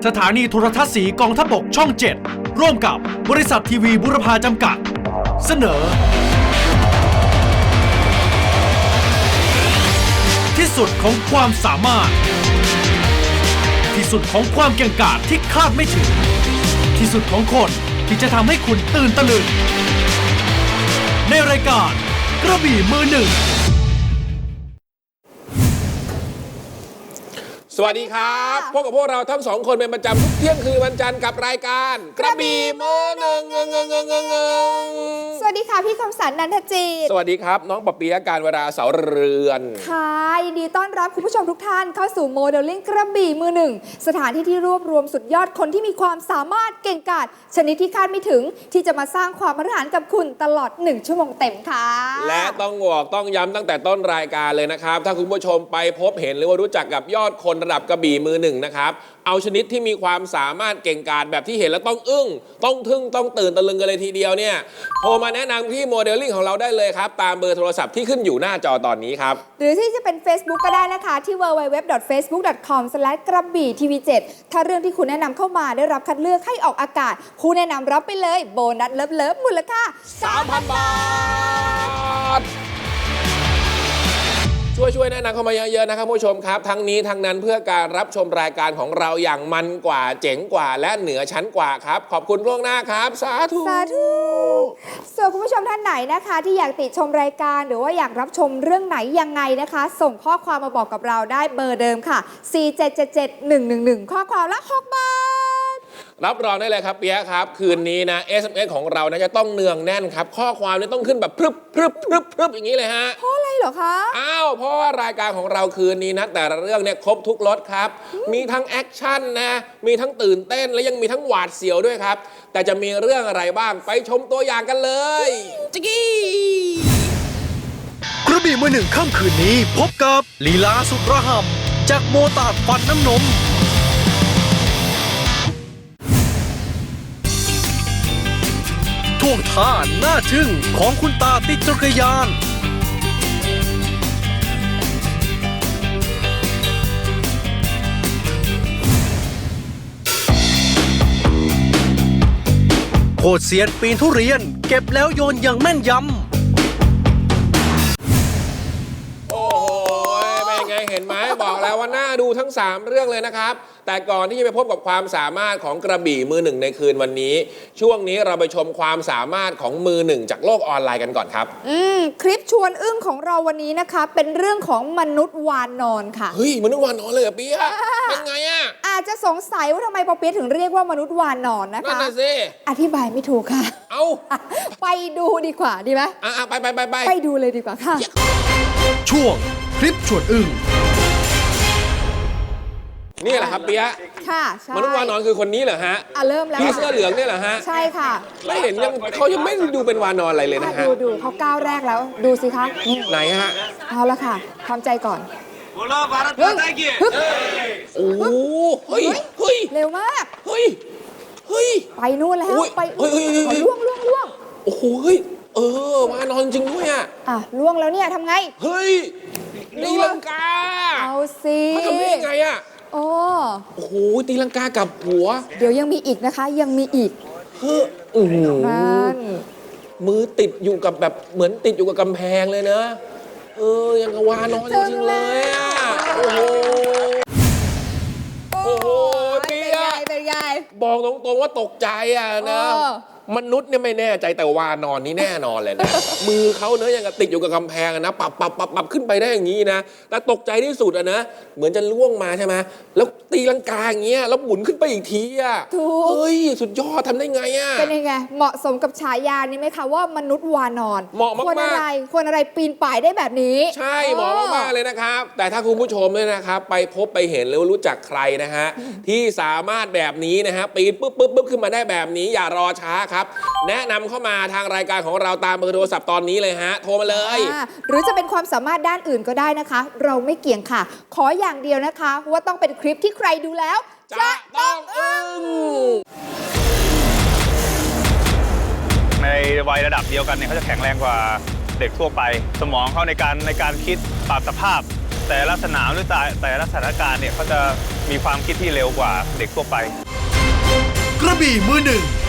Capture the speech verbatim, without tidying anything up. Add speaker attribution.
Speaker 1: สถานีโทรทัศน์สีกองทัพบกช่องเจ็ดร่วมกับบริษัททีวีบุรพาจำกัดเสนอที่สุดของความสามารถที่สุดของความเก่งกาจที่คาดไม่ถึงที่สุดของคนที่จะทำให้คุณตื่นตะลึงในรายการกระบี่มือหนึ่ง
Speaker 2: สวัสดีครับพบกับพวกเราทั้งสองคนเป็นประจำทุกเที่ยงคืนวันจันทร์กับรายการกระบี่มือหนึ่งเงงเงงเงงเงง
Speaker 3: สวัสดีค่ะพี่คมสันต์นันทจิต
Speaker 2: สวัสดีครับน้องปะปียะการเวลาเสาเรือน
Speaker 3: ค่ะยินดีต้อนรับคุณผู้ชมทุกท่านเข้าสู่โมเดลลิ่งกระบี่มือหนึ่งสถานที่ที่รวบรวมสุดยอดคนที่มีความสามารถเก่งกาจชนิดที่คาดไม่ถึงที่จะมาสร้างความมหัศจรรย์กับคุณตลอดหนึ่งชั่วโมงเต็มค่ะ
Speaker 2: และต้องบอกต้องย้ำตั้งแต่ต้นรายการเลยนะครับถ้าคุณผู้ชมไปพบเห็นหรือว่ารู้จักกับยอดคนระดับกระบี่มือหนึ่งนะครับเอาชนิดที่มีความสามารถเก่งกาจแบบที่เห็นแล้วต้องอึ้งต้องทึ่งต้องตื่นตะลึงกันเลยทีเดียวเนี่ยโทรมาแนะนำที่โมเดลลิ่งของเราได้เลยครับตามเบอร์โทรศัพท์ที่ขึ้นอยู่หน้าจอตอนนี้ครับ
Speaker 3: หรือที่จะเป็น Facebook ก็ได้นะคะที่ ดับเบิลยู ดับเบิลยู ดับเบิลยู ดอท เฟซบุ๊ก ดอท คอม สแลช กระบี่ทีวีเจ็ดถ้าเรื่องที่คุณแนะนำเข้ามาได้รับคัดเลือกให้ออกอากาศผู้แนะนำรับไปเลยโบนัสเลิฟๆมูลค่า
Speaker 2: สามพัน บาทช่วยช่วยแนะนำเข้ามาเยอะๆนะครับผู้ชมครับทั้งนี้ทั้งนั้นเพื่อการรับชมรายการของเราอย่างมันกว่าเจ๋งกว่าและเหนือชั้นกว่าครับขอบคุณล่วงหน้าครับสาธุ
Speaker 3: สาธุส่วนคุณผู้ชมท่านไหนนะคะที่อยากติชมรายการหรือว่าอยากรับชมเรื่องไหนยังไงนะคะส่งข้อความมาบอกกับเราได้เบอร์เดิมค่ะสี่ เจ็ด เจ็ด เจ็ด หนึ่ง หนึ่ง หนึ่งข้อความละหกบาท
Speaker 2: รับรองได้เลยครับเปียครับคืนนี้นะ เอส เอ็ม เอส ของเรานะจะต้องเนืองแน่นครับข้อความนี่ต้องขึ้นแบบพรึบพรึบพรึบพรึบอย่างนี้เลยฮะ
Speaker 3: เพราะอะไรเหรอคะ
Speaker 2: อ้าวเพราะว่ารายการของเราคืนนี้นะแต่ละเรื่องเนี่ยครบทุกรสครับมีทั้งแอคชั่นนะมีทั้งตื่นเต้นและยังมีทั้งหวาดเสียวด้วยครับแต่จะมีเรื่องอะไรบ้างไปชมตัวอย่างกันเลยจิกกี้
Speaker 1: กระบี่มือหนึ่งค่ำคืนนี้พบกับลีลาสุดระห่ำจากโมตาดฟันน้ำนมท่วงท่าหน้าทึ่งของคุณตาติดจักรยานโคตรเซียนปีนทุเรียนเก็บแล้วโยนอย่างแม่นยำ
Speaker 2: โอ้โหเป็นไงเห็นไหมบอกแล้วว่าน่าดูทั้งสามเรื่องเลยนะครับแต่ก่อนที่จะไปพบกับความสามารถของกระบี่มือหนึ่งในคืนวันนี้ช่วงนี้เราไปชมความสามารถของมือหนึ่งจากโลกออนไลน์กันก่อนครับ
Speaker 3: อืมคลิปชวนอึ้งของเราวันนี้นะคะเป็นเรื่องของมนุษย์วานนอนค่ะ
Speaker 2: เฮ้ยมนุษย์วานนอนเลยเหรอเปี๊ยะเป็นไงอ่ะ
Speaker 3: อาจจะสงสัยว่าทำไมปอเปี๊ยะถึงเรียกว่ามนุษย์วานนอนนะคะ
Speaker 2: นั่นน่ะสิ
Speaker 3: อธิบายไม่ถูกค่ะ
Speaker 2: เอ้า
Speaker 3: ไปดูดีกว่าดีไหม
Speaker 2: อ่ะไปไปไปไป
Speaker 3: ไปดูเลยดีกว่าค่ะ
Speaker 1: ช่วงคลิปชวนอึ้ง
Speaker 2: นี่แหละครับเปี๊ยะ
Speaker 3: ค่ะใช่
Speaker 2: มนุษย์วานอนคือคนนี้เหรอฮะ
Speaker 3: อ่ะเริ่มแล้ว
Speaker 2: พี่เสื้อเหลืองเนี่ยเหรอฮะ
Speaker 3: ใช่ค่ะ
Speaker 2: ไม่เห็นยังเขายังไม่ดูเป็นวานอนอะไรเลยนะฮะ
Speaker 3: ดูดูเขาก้าวแรกแล้วดูสิคะ
Speaker 2: ไหนฮะ
Speaker 3: เอาละค่ะทำใจก่อน
Speaker 2: โอ้โหเฮ้ยเฮ้ย
Speaker 3: เร็วมาก
Speaker 2: เฮ้ยเฮ้ย
Speaker 3: ไปนู่นแล้วไป
Speaker 2: เฮ้ย
Speaker 3: ล่วงล่วงล่วง
Speaker 2: โอ้โหเฮ้ยเออวานอนจริงด้วยอ่ะ
Speaker 3: อ่ะล่วงแล้วเนี่ยทำไง
Speaker 2: เฮ้ยตีลังกา
Speaker 3: เอาสิ
Speaker 2: เขาทำได้ยังไงอ่ะ
Speaker 3: โอ้
Speaker 2: โอ้โหตีลังกากับหัว
Speaker 3: เดี๋ยวยังมีอีกนะคะยังมีอีก
Speaker 2: เฮ้อโอ้โหมือติดอยู่กับแบบเหมือนติดอยู่กับกำแพงเลยนะเออยังกวานอนจริงๆเลยอ่ะโอ้โหโอ้โหเปี๊ยะ
Speaker 3: เป็นไง
Speaker 2: บอกตรงๆว่าตกใจอ่ะนะมนุษย์เนี่ยไม่แน่ใจแต่วานอนนี่แน่นอนเลยนะมือเขาเนื้อยังติดอยู่กับกำแพงนะปับปับปับปับขึ้นไปได้อย่างนี้นะแต่ตกใจที่สุดอะนะเหมือนจะล่วงมาใช่ไหมแล้วตีลังกาอย่างเงี้ยแล้วหมุนขึ้นไปอีกทีอะเฮ้ยสุดยอดทำได้ไงอะ
Speaker 3: เป็นยังไงเหมาะสมกับฉายานี้ไหมคะว่ามนุษย์วานอน
Speaker 2: เหมาะมากๆ
Speaker 3: ควรอะไรควรอะไรปีนป่ายได้แบบนี้
Speaker 2: ใช่เหมาะมากๆเลยนะครับแต่ถ้าคุณผู้ชมเนี่ยนะครับไปพบไปเห็นหรือรู้จักใครนะฮะที่สามารถแบบนี้นะฮะปีนปุ๊บปุ๊บปุ๊บขึ้นมาได้แบบนี้อย่ารอช้าครับแนะนำเข้ามาทางรายการของเราตามเบอร์โทรศัพท์ตอนนี้เลยฮะโทรมาเลย
Speaker 3: หรือจะเป็นความสามารถด้านอื่นก็ได้นะคะเราไม่เกี่ยงค่ะขออย่างเดียวนะคะว่าต้องเป็นคลิปที่ใครดูแล้วจะต้องอึ้ง
Speaker 4: ในวัยระดับเดียวกันเนี่ยเขาจะแข็งแรงกว่าเด็กทั่วไปสมองเขาในการในการคิดปรับสภาพแต่ละสนามหรือแต่แต่ละสถานการณ์เนี่ยเขาจะมีความคิดที่เร็วกว่าเด็กทั่วไป
Speaker 1: กระบี่มือหนึ่ง